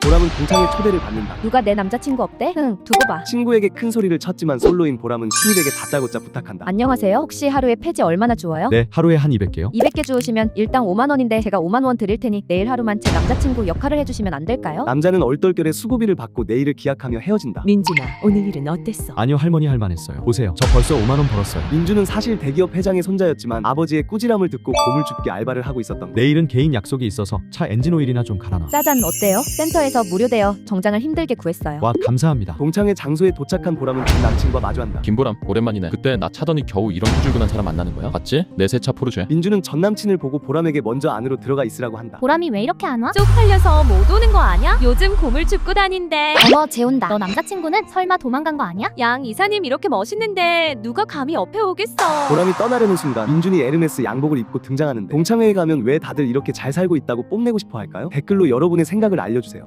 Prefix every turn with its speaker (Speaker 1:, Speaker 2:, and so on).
Speaker 1: 보람은 동창의 초대를 받는다.
Speaker 2: 누가 내 남자친구 없대? 응, 두고 봐.
Speaker 1: 친구에게 큰 소리를 쳤지만 솔로인 보람은 신입에게 다짜고짜 부탁한다.
Speaker 2: 안녕하세요. 혹시 하루에 폐지 얼마나 주어요?
Speaker 3: 네, 하루에 한 200개요.
Speaker 2: 200개 주우시면 일당 5만 원인데 제가 5만 원 드릴 테니 내일 하루만 제 남자친구 역할을 해주시면 안 될까요?
Speaker 1: 남자는 얼떨결에 수고비를 받고 내일을 기약하며 헤어진다.
Speaker 4: 민준아, 오늘 일은 어땠어?
Speaker 3: 아니요, 할머니 할 만했어요. 보세요, 저 벌써 5만 원 벌었어요.
Speaker 1: 민주는 사실 대기업 회장의 손자였지만 아버지의 꾸지람을 듣고 고물줍기 알바를 하고 있었던 것.
Speaker 3: 내일은 개인 약속이 있어서 차 엔진 오일이나 좀 갈아놔.
Speaker 2: 짜잔, 어때요? 센터에서 무료대여 정장을 힘들게 구했어요.
Speaker 3: 와, 감사합니다.
Speaker 1: 동창의 장소에 도착한 보람은 전 남친과 마주한다.
Speaker 5: 김보람, 오랜만이네. 그때 나 차더니 겨우 이런 후줄근한 사람 만나는 거야? 맞지? 내 새 차 포르쉐.
Speaker 1: 민주는 전 남친을 보고 보람에게 먼저 안으로 들어가 있으라고 한다.
Speaker 6: 보람이 왜 이렇게 안 와? 쪽팔려서 못 오는 거 아냐? 요즘 고물 줍고 다닌대.
Speaker 7: 어머 재온다. 너 남자친구는 설마 도망간 거 아니야?
Speaker 6: 양 이사님 이렇게 멋있는데 누가 감히 옆에 오겠어.
Speaker 1: 보람이 떠나려는 순간 민준이 에르메스 양복을 입고 등장하는데 동창회에 가면 왜 다들 이렇게 잘 살고 있다고 뽐내고 싶어 할까요? 댓글로 여러분의 생각을 알려주세요.